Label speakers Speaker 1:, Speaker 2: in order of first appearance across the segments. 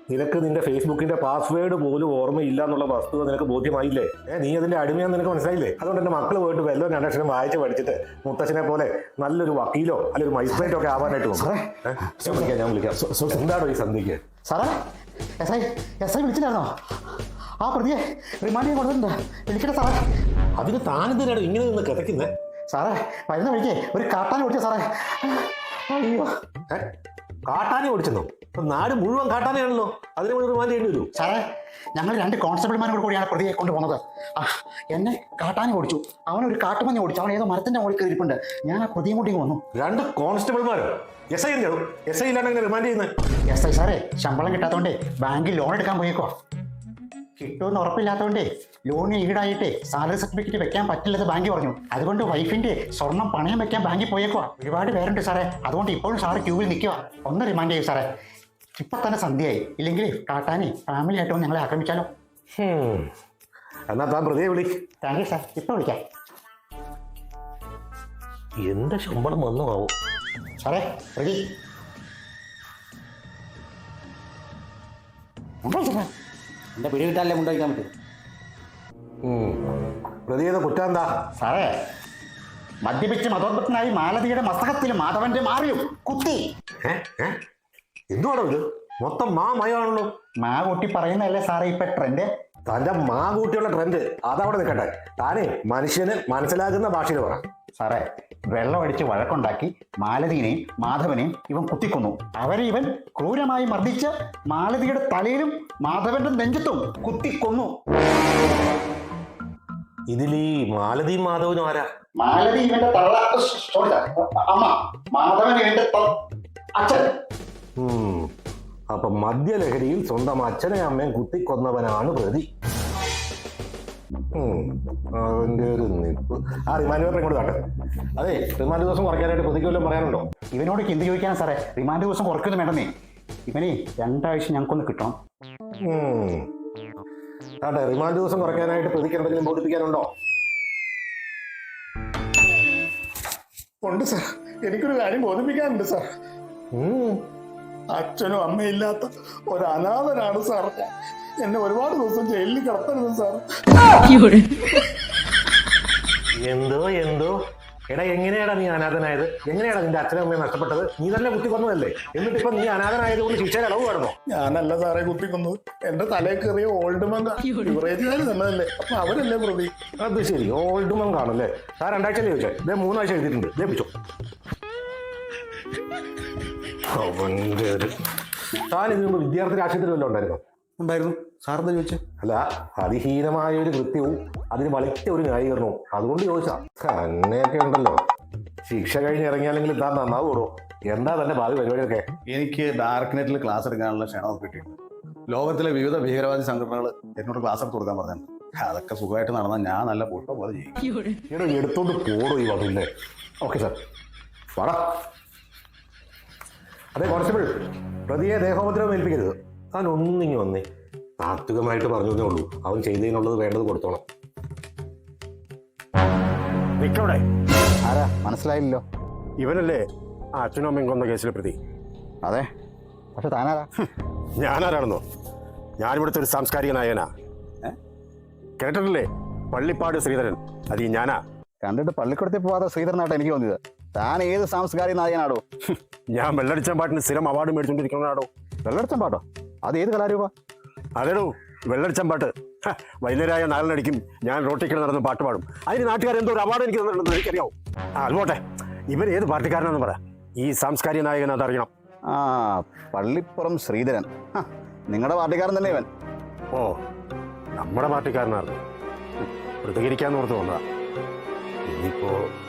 Speaker 1: നിനക്ക് നിന്റെ ഫേസ്ബുക്കിന്റെ പാസ്വേഡ് പോലും ഓർമ്മയില്ല എന്നുള്ള വസ്തുത നിനക്ക് ബോധ്യമായില്ലേ? നീ അതിന്റെ അടിമയാന്ന് നിനക്ക് മനസ്സിലായില്ലേ? അതുകൊണ്ട് എന്റെ മക്കൾ പോയിട്ട് വല്ലോ രണ്ടക്ഷരം വായിച്ച് പഠിച്ചിട്ട് മുത്തച്ഛനെ പോലെ നല്ലൊരു വക്കീലോ അല്ലെങ്കിൽ ഒരു മജിസ്ട്രേറ്റോ ഒക്കെ ആവാനായിട്ട് ഞാൻ വിളിക്കാം. എന്താണോ ഈ സന്ധ്യക്ക്?
Speaker 2: സാറേ, എസ് ഐ വിളിച്ചില്ലായിരുന്നോ? ആ പ്രതിയെ റിമാൻഡ് ചെയ്യാൻ കൊടുത്തിട്ടുണ്ട്. വിളിക്കട്ടെ സാറേ.
Speaker 1: അതിന് താനെന്തിനാണ് ഇങ്ങനെ നിന്ന് കിടക്കുന്നേ?
Speaker 2: സാറേ, വരുന്ന വഴിക്ക് ഒരു കാട്ടാനെ ഓടിച്ച സാറേ. അയ്യോ,
Speaker 1: കാട്ടാനെ ഓടിച്ചെന്നോ? നാട് മുഴുവൻ കാട്ടാനെയാണല്ലോ. അതിനെ മുഴുവൻ റിമാൻഡ് ചെയ്യേണ്ടി വരൂ.
Speaker 2: സാറേ, ഞങ്ങൾ 2 കോൺസ്റ്റബിൾമാരോട് കൂടിയാണ് പ്രതിയെ കൊണ്ടുപോകുന്നത്. എന്നെ കാട്ടാനെ ഓടിച്ചു, അവനൊരു കാട്ടുമഞ്ഞ ഓടിച്ചു. അവൻ ഏതോ മരത്തിന്റെ മുകളിൽ കയറിയിട്ടുണ്ട്. ഞാൻ ആ പ്രതിയും കൂടി വന്നു.
Speaker 1: 2 കോൺസ്റ്റബിൾമാരോ? എസ് ഐ എന്താണ്? എസ് ഐ ഇല്ലാണ്ട് എങ്ങനെ റിമാൻഡ് ചെയ്യുന്നത്?
Speaker 2: എസ് ഐ സാറേ, ശമ്പളം കിട്ടാത്തതുകൊണ്ടേ ബാങ്കിൽ ലോൺ എടുക്കാൻ പോയേക്കോ. കിട്ടുമെന്ന് ഉറപ്പില്ലാത്തതുകൊണ്ടേ ലോണിന് ഈടായിട്ട് സാലറി സർട്ടിഫിക്കറ്റ് വെക്കാൻ പറ്റില്ലെന്ന് ബാങ്ക് പറഞ്ഞു. അതുകൊണ്ട് വൈഫിന്റെ സ്വർണം പണയം വെക്കാൻ ബാങ്കിൽ പോയേക്കോ. ഒരുപാട് പേരുണ്ട് സാറേ. അതുകൊണ്ട് ഇപ്പോഴും സാറ് ക്യൂവിൽ നിൽക്കുക. ഒന്ന് റിമാൻഡ് ചെയ്യും സാറേ. ഇപ്പൊ തന്നെ സന്ധ്യയായി. ഇല്ലെങ്കിൽ കാട്ടാനെ ഫാമിലി ആയിട്ട് ഞങ്ങളെ ആക്രമിച്ചാലോ?
Speaker 1: എന്നാ താൻ പ്രതിയെ വിളി.
Speaker 2: താങ്ക് യു സാർ, ഇപ്പൊ വിളിക്കാം.
Speaker 1: എന്റെ ശമ്പളം വന്നു ആവും.
Speaker 2: സാറേ, പ്രതി
Speaker 3: എന്റെ പിടി കിട്ടാനല്ലേ മുണ്ടഴിക്കാൻ പറ്റും.
Speaker 1: പ്രതിയുടെ കുറ്റം എന്താ?
Speaker 2: സാറേ, മദ്യപിച്ച് മതോന്മത്തനായി മാലതിയുടെ മസ്തകത്തിൽ മാധവന്റെ മാറിയും കുത്തി.
Speaker 1: എന്തുവാണോ ഇത്? മൊത്തം മയമാണല്ലോ.
Speaker 2: കൂട്ടി പറയുന്നതല്ലേ സാറേ ഇപ്പൊ ട്രെൻഡ്?
Speaker 1: തന്റെ കൂട്ടിയുള്ള ട്രെൻഡ് അതവിടെ നിൽക്കട്ടെ. താനേ മനുഷ്യന് മനസ്സിലാകുന്ന ഭാഷയിൽ പറ.
Speaker 2: സാറേ, വെള്ളമടിച്ച് വഴക്കുണ്ടാക്കി മാലതിനെയും മാധവനെയും ഇവൻ കുത്തിക്കൊന്നു. അവരെ ഇവൻ ക്രൂരമായി മർദ്ദിച്ച് മാലതിയുടെ തലയിലും മാധവന്റെ നെഞ്ചത്തും കുത്തിക്കൊന്നു.
Speaker 1: ഇതിലീ മാലതിയും മാധവനും ആരാ?
Speaker 2: മാലതി ഇവന്റെ തള്ള അമ്മ, മാധവൻ ഇവന്റെ അച്ഛൻ.
Speaker 1: അപ്പൊ മദ്യലഹരിയിൽ സ്വന്തം അച്ഛനെയും അമ്മയും കുത്തിക്കൊന്നവനാണ് പ്രതി. അവന്റെ ഒരു നിപ്പ്. ആ റിമാൻഡ് പേപ്പർ ഇങ്ങോട്ട് കാട്ടെ. അതെ, റിമാൻഡ് ദിവസം കുറയ്ക്കാനായിട്ട് പ്രതിക്ക് വല്ലതും പറയാനുണ്ടോ?
Speaker 2: ഇവനോട് എന്ത് ചോദിക്കാനാ സാറേ? റിമാൻഡ് ദിവസം കുറയ്ക്കൊന്നും വേണ്ടെന്നേ. ഇവനെ 2 ആഴ്ച ഞങ്ങൾക്കൊന്ന് കിട്ടണം.
Speaker 1: അതെ, റിമാൻഡ് ദിവസം കുറയ്ക്കാനായിട്ട് പ്രതിക്ക് എന്തെങ്കിലും ബോധിപ്പിക്കാനുണ്ടോ?
Speaker 4: ഉണ്ട് സാർ, എനിക്കൊരു കാര്യം ബോധിപ്പിക്കാനുണ്ട് സാർ. അച്ഛനും അമ്മയില്ലാത്ത ഒരു അനാഥനാണ് സാർ. എന്നെ ഒരുപാട് ദിവസം ജയിലിൽ കിടത്തരുത് സാർ.
Speaker 1: എന്തോ എടാ, എങ്ങനെയാടാ നീ അനാഥനായത്? എങ്ങനെയാടാ നിന്റെ അച്ഛനും അമ്മയെ നഷ്ടപ്പെട്ടത്? നീ തന്നെ കുത്തിക്കൊന്നതല്ലേ? എന്നിട്ട് ഇപ്പൊ നീ അനാഥനായതുകൊണ്ട് ശിക്ഷയിൽ ഇളവ് വേണമോ?
Speaker 4: ഞാനല്ല സാറേ കുത്തിക്കൊന്നത്. എന്റെ തലയിൽ കയറിയ ഓൾഡ് മങ്ക യുവറേജുകാർ തന്നതല്ലേ, അപ്പൊ അവരല്ലേ പ്രതി.
Speaker 1: അത് ശരി, ഓൾഡ് മങ്ക് ആണല്ലേ? താൻ 2 ആഴ്ച ചോദിച്ചേ, 3 ആഴ്ച എഴുതിയിട്ടുണ്ട്. പിടിച്ചോ. അവന്റെ ഒരു താൻ ഇതിനു മുമ്പ് വിദ്യാർത്ഥി രാഷ്ട്രീയത്തിൽ വല്ലതും ഉണ്ടായിരുന്നോ?
Speaker 3: ഉണ്ടായിരുന്നു. സാറെന്താ ചോദിച്ചേ?
Speaker 1: അല്ല, അതിഹീനമായ ഒരു കൃത്യവും അതിന് വലിച്ച ഒരു ന്യായീകരണവും, അതുകൊണ്ട് ചോദിച്ചാ. തന്നെയൊക്കെ ഉണ്ടല്ലോ. ശിക്ഷ കഴിഞ്ഞ് ഇറങ്ങിയാലെങ്കിലും താൻ നന്നാവൂടോ. എന്താ തന്റെ ഭാവി പരിപാടിയൊക്കെ?
Speaker 3: എനിക്ക് ഡാർക്ക് നെറ്റിൽ ക്ലാസ് എടുക്കാനുള്ള ക്ഷണം കിട്ടിയിട്ടുണ്ട്. ലോകത്തിലെ വിവിധ ഭീകരവാദി സംഘടനകൾ എന്നോട് ക്ലാസ് എടുത്ത് കൊടുക്കാൻ പറഞ്ഞിട്ടുണ്ട്. അതൊക്കെ സുഖമായിട്ട് നടന്നാൽ ഞാൻ നല്ല പുഷ്പം പോലെ ചെയ്യും.
Speaker 1: ഇവിടെ എടുത്തോണ്ട് പോടോ ഈ വകയില്ലേ? ഓക്കെ സാർ, പറ. അതെ കോൺസ്റ്റബിൾ, പ്രതിയെ ദേഹോപദ്രവം ഏൽപ്പിക്കരുത്. താൻ ഒന്നിങ്ങി വന്നേ. താത്വികമായിട്ട് പറഞ്ഞതേ ഉള്ളൂ. അവൻ ചെയ്തതിനുള്ളത് വേണ്ടത് കൊടുത്തോണം. നിക്കവിടെ.
Speaker 2: ആരാ? മനസ്സിലായില്ലോ.
Speaker 1: ഇവനല്ലേ ആ അച്ഛനും അമ്മയും കൊന്ന കേസിലെ പ്രതി?
Speaker 2: അതെ, പക്ഷെ താനാരാ?
Speaker 1: ഞാനാരാണെന്നോ? ഞാനിവിടുത്തെ ഒരു സാംസ്കാരിക നായകനാ. കേട്ടിട്ടില്ലേ? പള്ളിപ്പാട് ശ്രീധരൻ. അത് ഈ ഞാനാ.
Speaker 2: കണ്ടിട്ട് പള്ളിക്കൂടത്തിൽ പോവാതെ ശ്രീധരനായിട്ട് എനിക്ക് തോന്നിയത്. താൻ ഏത് സാംസ്കാരിക നായകനാടോ?
Speaker 1: ഞാൻ വെള്ളടിച്ചാൻ പാട്ടിന് സ്ഥിരം അവാർഡ് മേടിച്ചോണ്ടിരിക്കുന്നതാണോ?
Speaker 2: വെള്ളടിച്ചാൻ പാട്ടോ? അത് ഏത് കലാരൂപ?
Speaker 1: അതേടോ, വെള്ളടിച്ചാൻ പാട്ട്. വൈകുന്നേരമായ 4 ഞാൻ റോട്ടിക്കൽ നടന്ന് പാട്ട് പാടും. അതിന് നാട്ടുകാരെന്തോ ഒരു അവാർഡ് എനിക്ക് തന്നിട്ടുണ്ടെന്ന് എനിക്കറിയാവോ? അതുപോട്ടെ, ഇവൻ ഏത് പാർട്ടിക്കാരനാണെന്ന് പറ. ഈ സാംസ്കാരിക നായകൻ അതറിയണം.
Speaker 2: പള്ളിപ്പുറം ശ്രീധരൻ. നിങ്ങളുടെ പാർട്ടിക്കാരൻ തന്നെ ഇവൻ?
Speaker 1: ഓ, നമ്മുടെ പാർട്ടിക്കാരനായിരുന്നു. പ്രതികരിക്കാന്ന് ഓർത്ത് വന്നതാ. ഇനിയിപ്പോ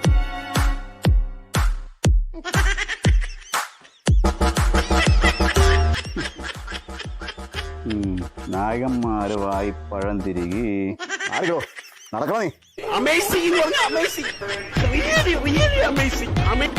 Speaker 2: നായകന്മാരുമായി പഴം തിരികെ ആരോ നടക്കണോ നീ?
Speaker 5: Amazing! Amazing! Really, really amazing!